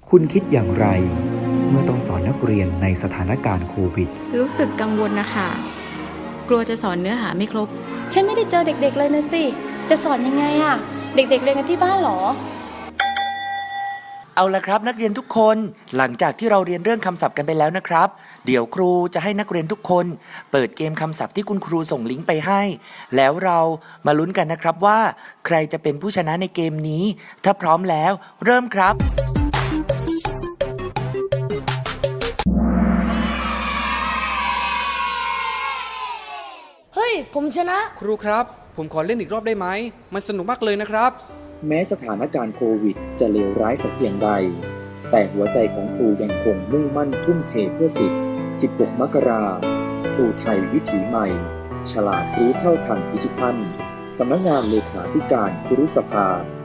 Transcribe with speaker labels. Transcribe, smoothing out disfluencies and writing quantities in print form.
Speaker 1: คุณคิดอย่างไรเมื่อต้องสอนนักเรียนในสถานการณ์โควิด
Speaker 2: รู้สึกกังวลนะคะกลัวจะสอนเนื้อหาไม่ครบ
Speaker 3: ฉันไม่ได้เจอเด็กๆเลยนะสิจะสอนยังไงอะเด็กๆเรียนกันที่บ้านเหรอ
Speaker 4: เอาละครับนักเรียนทุกคนหลังจากที่เราเรียนเรื่องคำศัพท์กันไปแล้วนะครับเดี๋ยวครูจะให้นักเรียนทุกคนเปิดเกมคำศัพท์ที่คุณครูส่งลิงก์ไปให้แล้วเรามาลุ้นกันนะครับว่าใครจะเป็นผู้ชนะในเกมนี้ถ้าพร้อมแล้วเริ่มครับ
Speaker 3: เฮ้ยผมชนะ
Speaker 5: ครูครับผมขอเล่นอีกรอบได้ไหมมันสนุกมากเลยนะครับ
Speaker 6: แม้สถานการณ์โควิดจะเลวร้ายสักเพียงใดแต่หัวใจของครูยังคงมุ่งมั่นทุ่มเทเพื่อสิทธิ์16 มกราครูไทยวิถีใหม่ฉลาดรู้เท่าทันดิจิทัลสำนักงานเลขาธิการครุสภา